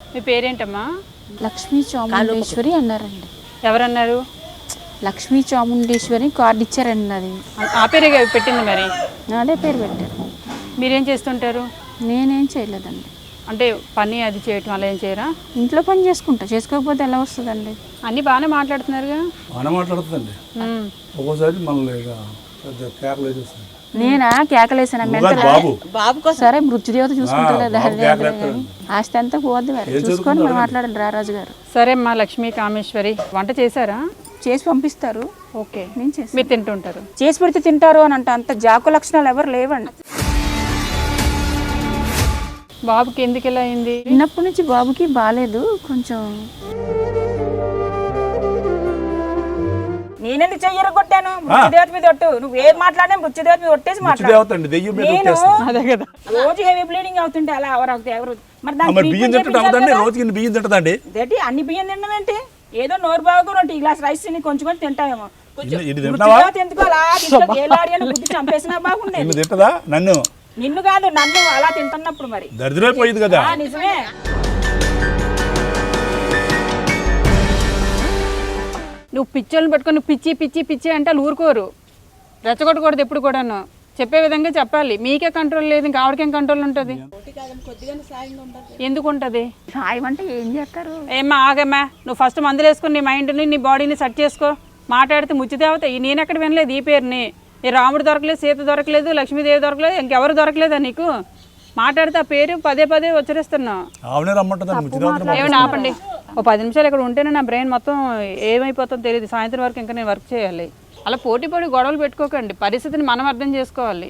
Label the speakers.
Speaker 1: మీ పేరేంటమ్మా?
Speaker 2: లక్ష్మీ చాముండేశ్వరి అన్నారండి.
Speaker 1: ఎవరన్నారు?
Speaker 2: లక్ష్మీ చాముండేశ్వరి కార్డు ఇచ్చారండి. అది
Speaker 1: ఆ పేరే పెట్టింది మరి?
Speaker 2: అదే పేరు పెట్టారు.
Speaker 1: మీరేం చేస్తుంటారు?
Speaker 2: నేనేం చేయలేదండి.
Speaker 1: అంటే పని అది చేయటం అలా ఏం చేయరా?
Speaker 2: ఇంట్లో పని చేసుకుంటా, చేసుకోకపోతే ఎలా వస్తుందండి?
Speaker 1: అన్నీ బాగానే మాట్లాడుతున్నారుగా.
Speaker 3: బాగానే మాట్లాడుతుందండి. ఒక్కోసారి మనల్ని కేకలు వేసేస్తుంది.
Speaker 2: నేనా కేకలేసాను
Speaker 3: బాబు
Speaker 2: సరే మృత్యుదేవత చూసుకుంటా. ఆస్తి అంతా పోద్ది మరి, చూసుకొని మనం మాట్లాడండి రారాజు గారు.
Speaker 1: సరే అమ్మా లక్ష్మీ కామేశ్వరి, వంట చేశారా?
Speaker 2: చేసి పంపిస్తారు.
Speaker 1: ఓకే,
Speaker 2: నేను చేసి
Speaker 1: మీరు తింటుంటారు.
Speaker 2: చేసి పెడితే తింటారు అని అంటే అంత జాకు లక్షణాలు ఎవరు లేవండి.
Speaker 1: బాబుకి ఎందుకు ఇలా అయింది?
Speaker 2: చిన్నప్పటి నుంచి బాబుకి బాగాలేదు కొంచెం. నేనెందుకు చెయ్యరు కొట్టాను? మృత్యుదేవత మీద ఒట్టు. నువ్వు ఏం మాట్లాడినా మృత్యుదేవత మీద ఒట్టేసి
Speaker 1: అదే కదా.
Speaker 2: రోజు హెవీ బ్లీడింగ్ అవుతుంటే అలా ఎవరు మరి
Speaker 3: బియ్యం తింటుందండి. రోజుకి బియ్యం తింటుందండి.
Speaker 2: అన్ని బియ్యం తినడం ఏంటి? ఏదో నోరు బాగు 2 గ్లాస్ రైస్ తిని కొంచెం కొంచెం తింటామేమో. ఎందుకు అలా బుద్ధి చంపేసినా బాగుండేది.
Speaker 3: నన్ను
Speaker 2: నిన్ను కాదు, నన్ను అలా తింటున్నప్పుడు మరి
Speaker 3: దరిద్రైపోయింది కదా.
Speaker 2: నిజమే.
Speaker 1: నువ్వు పిచ్చోళ్ళని పెట్టుకొని పిచ్చి పిచ్చి పిచ్చి అంటే వాళ్ళు ఊరుకోరు. రెచ్చగొట్టకూడదు ఎప్పుడు కూడాను. చెప్పే విధంగా చెప్పాలి. మీకే కంట్రోల్ లేదు, ఇంకా ఆవిడకేం కంట్రోల్ ఉంటుంది? ఎందుకు ఉంటుంది?
Speaker 2: సాయం అంటే ఏం చేస్తారు?
Speaker 1: ఏమ్మా ఆగమ్మా, నువ్వు ఫస్ట్ మందులు వేసుకుని నీ మైండ్ని నీ బాడీని సెట్ చేసుకో. మాట్లాడితే ముచ్చిదేవత నేను ఎక్కడ వినలేదు ఈ పేరుని. ఈ రాముడు దొరకలేదు, సీత దొరకలేదు, లక్ష్మీదేవి దొరకలేదు, ఇంకెవరు దొరకలేదా నీకు? మాట్లాడితే ఆ పేరు పదే పదే ఉచ్చరిస్తున్నావు. ఏమైనా ఆపండి. ఓ 10 నిమిషాలు ఇక్కడ ఉంటేనే నా బ్రెయిన్ మొత్తం ఏమైపోతుందో తెలియదు. సాయంత్రం వరకు ఇంకా నేను వర్క్ చేయాలి. అలా పోటీ పడి గొడవలు పెట్టుకోకండి. పరిస్థితిని మనం అర్థం చేసుకోవాలి.